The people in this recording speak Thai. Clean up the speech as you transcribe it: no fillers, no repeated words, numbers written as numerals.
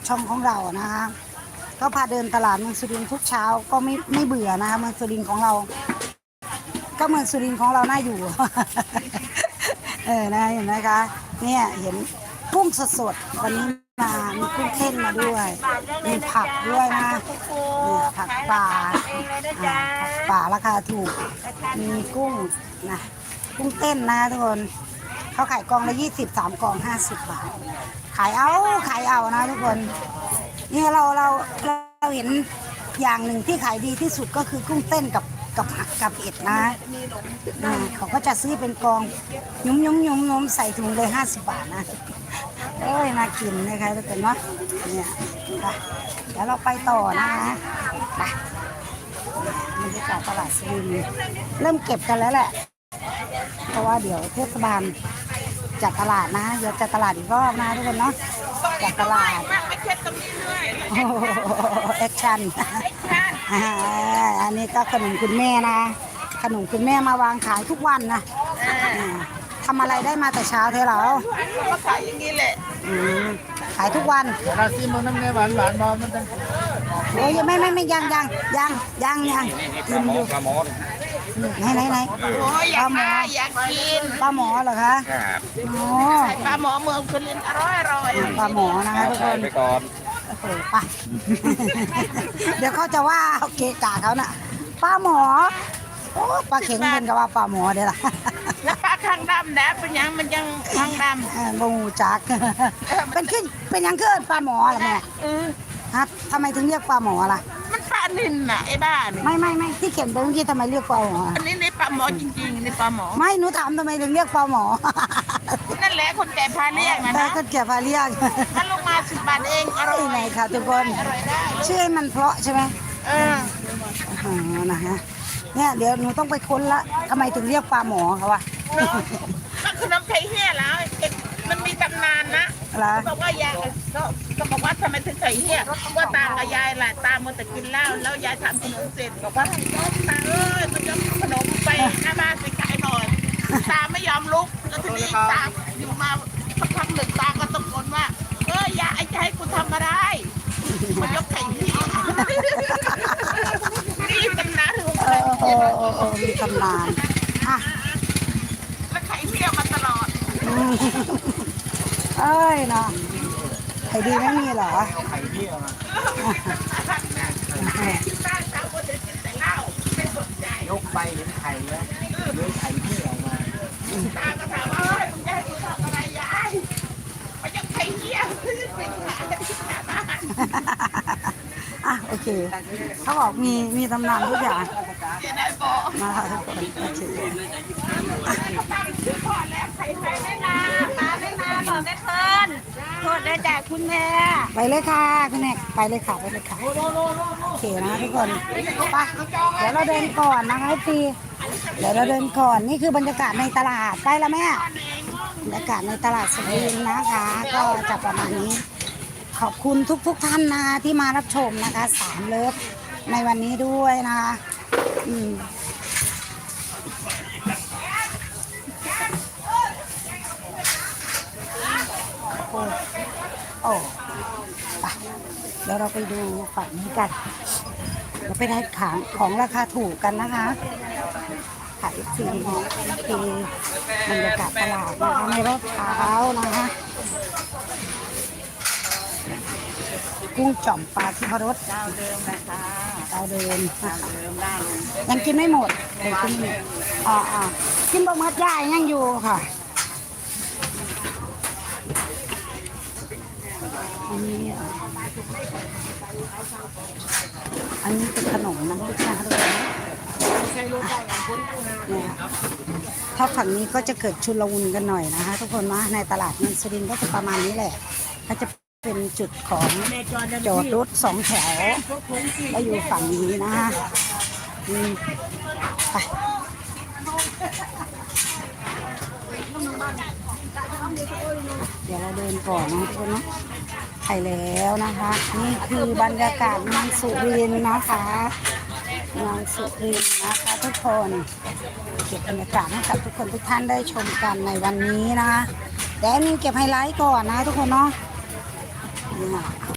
ช่องของเรานะคะก็พาเดินตลาดเมืองสุรินทร์ทุกเช้าก็ไม่เบื่อนะคะเมืองสุรินทร์ของเราก็เมืองสุรินทร์ของเราน่าอยู่ นะเห็นไหมคะเนี่ยเห็นกุ้งสดๆวันนี้มามีกุ้งเต้นมาด้วยมีผักด้วยนะนี่ผักป่าผักป่าราคาถูกมีกุ้งนะกุ้งเต้นนะทุกคนเขาขายกล่องละ23กล่อง50 บาทขายเอานะทุกคนนี่เราเห็นอย่างหนึ่งที่ขายดีที่สุดก็คือกุ้งเต้นกับเห็ดนะเขาก็จะซื้อเป็นกองยุ้มใส่ถุงเลย50 บาทนะเอ้ยน่ากินนะคะทุกคนเนาะเนี่ยไปแล้วเราไปต่อนะคะไปบรรยากาศตลาดสุรินทร์เริ่มเก็บกันแล้วแหละเพราะว่าเดี๋ยวเทศบาลจัดตลาดนะเดี๋ยวจัดตลาดอีกรอบนะทุกคนเนาะจัดตลาดโอ้แอคชั่นอันนี้ก็ขนมคุณแม่นะขนมคุณแม่มาวางขายทุกวันนะทำอะไรได้มาแต่เช้าเท่าเราก็ขายอย่างนี้แหละขายทุกวันราซีมันน้ำเนื้อหวานบอมันจะโอ้ยไม่ยังกินอยู่ปลาหมอไหนโอ้ยอยากกินปลาหมอเหรอคะโอ้ปลาหมอเมืองสุรินทร์อร่อยปลาหมอนะคะทุกคนไปก่อนโอ้โหไปเดี๋ยวเขาจะว่าเอาเกะกะเขาน่ะปลาหมอโอ้ปลาเข็งเป็นกับว่าปลาหมอเดี๋ยวล่ะแล้วปลาคางดำนะเป็นยังมันยังคางดำงูจักเป็นยังเกินปลาหมอเหรอแม่ฮะทำไมถึงเรียกปลาหมอล่ะมันปลานินน่ะไอ้บ้านี่ไม่ที่เขียนไปเมื่อกี้ทำไมเรียกปลาหมออันนี้ในปลาหมอจริงๆในปลาหมอไม่หนูถามทำไมถึงเรียกปลาหมอนั่นแหละคนแก่พาเรียกนะคนแก่พาเรียกถ้าลงมา10 บาทเองอร่อยไหนค่ะทุกคนชื่อมันเพราะใช่ไหมนะฮะเนี่ยเดี๋ยวหนูต้องไปค้นละทำไมถึงเรียกปลาหมอเขาวะมันคือน้ำไข่เหี้ยแล้วมันมีตำนานนะบอกว่ายายก็บอกว่าทำไมถึงไข่เหี้ยว่าตากับยายแหละตาเมื่อแต่กินเหล้าแล้วยายทำขนมเสร็จบอกว่าตามันจะขนมไปหน้าบ้านไปขายหน่อยตาไม่ยอมลุกแล้วทีนี้ตาอยู่มาสักพักหนึ่งตาก็ตะโกนว่ายายจะให้กูทำอะไรมันยกไข่เหี้ยนี่ตำนานมีตำนานอ่ะแล้วไข่เหี้ยมาตลอดเอ้ยเนาะไข่ดีไม่มีเหรอไข่เที่ยวายกไปเห็นไข่แล้วเลื้อยไข่เที่ยวมาตาก็ถามว่ามึงจะให้กูทำอะไรยายมันยังไข่เหี้ยโอเคเขาบอกมีตำนานทุกอย่างนะคะทุกคนโอเคโทษได้จากคุณแม่ไปเลยค่ะคุณแม่ไปเลยค่ะโอเคนะทุกคนไปเดี๋ยวเราเดินก่อนนะคะพี่เดี๋ยวเราเดินก่อนนี่คือบรรยากาศในตลาดไปแล้วแม่บรรยากาศในตลาดสุรินทร์นะคะก็จะประมาณนี้ขอบคุณทุกท่านนะที่มารับชมนะคะ3 เลิฟในวันนี้ด้วยนะคะโอ้ไปเดี๋ยวเราไปดูฝั่งนี้กันเราไปได้ของราคาถูกกันนะคะขายฟรีคือบรรยากาศตลาดนะคะในรอบเช้านะคะกุ้งจ่อมปลาที่พรสเจ้าเดิมนะคะเจ้าเดิมได้ยังกินไม่หมดเลยกินกินบะหมี่ย่ายยังอยู่ค่ะอันนี้เป็นขนมน้ำพริกนะคะทุกคนเนี่ยถ้าฝั่งนี้ก็จะเกิดชุลมุนกันหน่อยนะคะทุกคนนะในตลาดเมืองสุรินทร์ก็จะประมาณนี้แหละก็จะเป็นจุดของจอดรถ2 แถวแล้วอยู่ฝั่งนี้นะคะไปเดี๋ยวเราเดินก่อนนะทุกคนนะไปแล้วนะคะนี่คือบรรยากาศเมืองสุรินทร์นะคะเมืองสุรินทร์นะคะทุกคนเก็บบรรยากาศให้กับทุกคนทุกท่านได้ชมกันในวันนี้นะคะแต่นี่เก็บไฮไลท์ก่อนนะทุกคนเนาะ